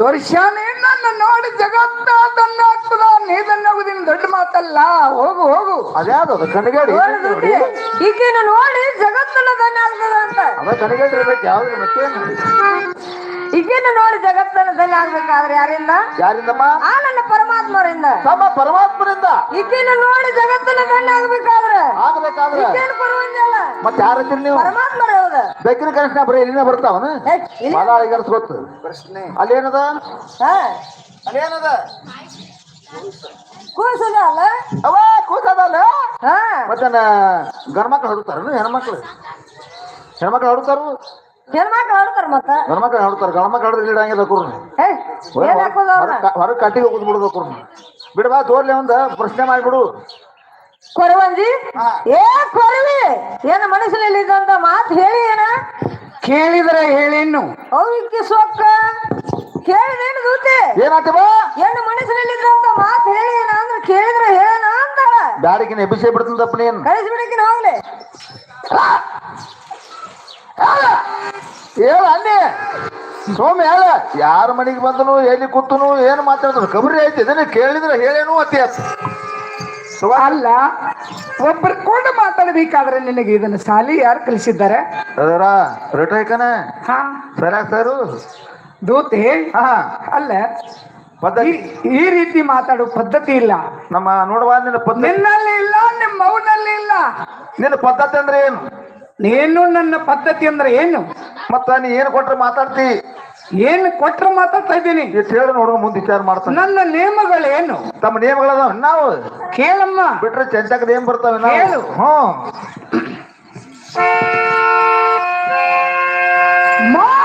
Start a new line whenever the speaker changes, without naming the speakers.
ವರ್ಷಾನೇ ನನ್ನ ನೋಡಿ ಜಗತ್ತ ತನ್ನಾಗ್ತದ ನೀದನ್ನೋಗುದಿನ ದೊಡ್ಡ ಮಾತಲ್ಲ. ಹೋಗು ಹೋಗು.
ಅದ್ಯಾವ್ದು ಅದು ಕಣಗೇಡಿ
ಈಗಿನ ನೋಡಿ ಜಗತ್ತನ್ನ ಧನ್ಯ ಆಗ್ತದ ಅಂತ.
ಅದ ಕಣಗೇಡಿ ಇರ್ಬೇಕು ಯಾವ್ದು ಮತ್ತೇನು.
ಈಗಿನ ನೋಡಿ ಜಗತ್ತನ್ನ ಧನ್ಯ ಆಗ್ಬೇಕಾದ್ರೆ ಯಾರಿಂದ?
ಯಾರಿಂದಮ್ಮ?
ಆ ನನ್ನ ಪರಮಾತ್ಮರಿಂದ.
ನಮ್ಮ ಪರಮಾತ್ಮನಿಂದ.
ಈಗಿನ ನೋಡಿ ಜಗತ್ತನ್ನ ಧನ್ಯ ಆಗ್ಬೇಕಾದ್ರೆ
ಆಗ್ಬೇಕಾದ್ರೆ
ಈಗೇನು ಬರುವಂಗಿಲ್ಲ.
ಮತ್ತೆ ಯಾರಿದ್ದೀರಿ ನೀವು?
ಪರಮಾತ್ಮರೇ ಹೌದ.
ಬೆಕ್ಕಿನ ಕನಸಿನ ಬರೀ ಇಲ್ಲಿನ ಬರ್ತಾವನು ಮಾಲಾಳಿಗರ್ಸ್ ಗೊತ್ತು ಪ್ರಶ್ನೆ. ಅಲ್ಲೇನದ? ಅಲ್ಲೇನದ?
ಕೂಸದ ಅಲ್ಲ
ಅವ ಕೂಸದಲ್ಲ.
ಹಾ
ಮತ್ತೆ ಗಂಡ್ಮಕ್ಳು ಹೊಡುತ್ತಾರ ಹೆಣ್ಮಕ್ಳು? ಹೆಣ್ಮಕ್ಳು ಹೊಡುತ್ತಾರು,
ಹೆಣ್ಮಕ್ಳು ಆಡ್ತಾರ ಮತ್ತ.
ಗಂಡ್ಮಕ್ಳು ಹೊಡುತ್ತಾರ. ಗಂಡ್ಮಕ್ಳು ಹೊಡೆದ್ರೆ ಇಡಂಗಿಲ್ಲ
ಏನ್ ಹಾಕೋದ
ಹೊರಗೆ ಕಟ್ಟಿಗೆ ಹೋಗುದ್ ಬಿಡ್ಬೇಕು. ಬಿಡಬಾ ತೋರ್ಲಿ ಒಂದು ಪ್ರಶ್ನೆ ಮಾಡ್ಬಿಡು.
ಕೊರವಂಜಿ ಏ ಕೊರವಿ ಏನ ಮನಸ್ಸಿನಲ್ಲಿ ಇದ್ದಂತ ಮಾತು ಹೇಳಿ ಏನ
ಕೇಳಿದ್ರೆ ಹೇಳೇನು?
ಅವಿಕ್ಕಿ ಸೊಕ್ಕ ಕೇಳಿದೇನು ದೂತೆ
ಏನಾಗ್ತವ?
ಏನು ಮನಸ್ಸಿನಲ್ಲಿ ಇದ್ದಂತ ಮಾತು ಹೇಳಿ ಏನ ಅಂದ್ರೆ ಕೇಳಿದ್ರೆ ಹೇಳ ಅಂತ
ಗಾಡಿಗಿನ ಎಬ್ಬಿಸೇ ಬಿಡ್ತಂದಪ್ಪ ನೀನ್.
ಕಳಿಸ್ಬಿಡಕಿನ ಹೋಗ್ಲಿ
ಹೇಳ ಅನ್ನಿ ಸೋಮ್ಯ ಹೇಳ. ಯಾರ ಮನೆಗೆ ಬಂದನು ಎಲ್ಲಿ ಕೂತನು ಏನು ಮಾತಾಡಿದ್ರು ಕಬರಿ ಐತಿ. ಇದನ್ನ ಕೇಳಿದ್ರೆ ಹೇಳೇನು ಅತಿ ಆತ.
ಅಲ್ಲ, ಒಬ್ಬರು ಕೂಡ ಮಾತಾಡ್ಬೇಕಾದ್ರೆ ನಿನಗೆ ಇದನ್ನ ಸಾಲಿ ಯಾರು ಕಲಿಸಿದ್ದಾರೆ?
ಅದರ ರಿಟೈಕನ
ಹಾ
ಸರಿಯಾಗಿ ಸರು
ದೂತೆ.
ಹಾ
ಅಲ್ಲ,
ಪದ್ಧತಿ
ಈ ರೀತಿ ಮಾತಾಡೋ ಪದ್ಧತಿ ಇಲ್ಲ
ನಮ್ಮ ನೋಡುವ. ನಿನ್ನ ಪದ್ಧತಿ
ನಿನ್ನಲ್ಲಿ ಇಲ್ಲ, ನಿಮ್ಮ ಮೌನಲ್ಲಿ ಇಲ್ಲ.
ನಿನ್ನ ಪದ್ಧತಿ ಅಂದ್ರೆ ಏನು?
ನೀನು ನನ್ನ ಪದ್ಧತಿ ಅಂದ್ರೆ ಏನು?
ಮತ್ತ ನೀ ಏನು ಕೊಟ್ರೆ ಮಾತಾಡ್ತಿ?
ಏನು ಕೊಟ್ರೆ ಮಾತಾಡ್ತಾ ಇದ್ದೀನಿ.
ಎಷ್ಟು ಹೇಳಿ ನೋಡುವ ಮುಂದೆ ವಿಚಾರ ಮಾಡ್ತಾನೆ.
ನನ್ನ ನೇಮಗಳೇನು?
ತಮ್ಮ ನೇಮಗಳದಾವ ನಾವು
ಕೇಳಮ್ಮ.
ಬಿಟ್ರೆ ಚಂಚಕದ ಏನ್ ಬರ್ತಾವೆ ನಾವು?
ಹೇಳು.
ಹ್ಮ್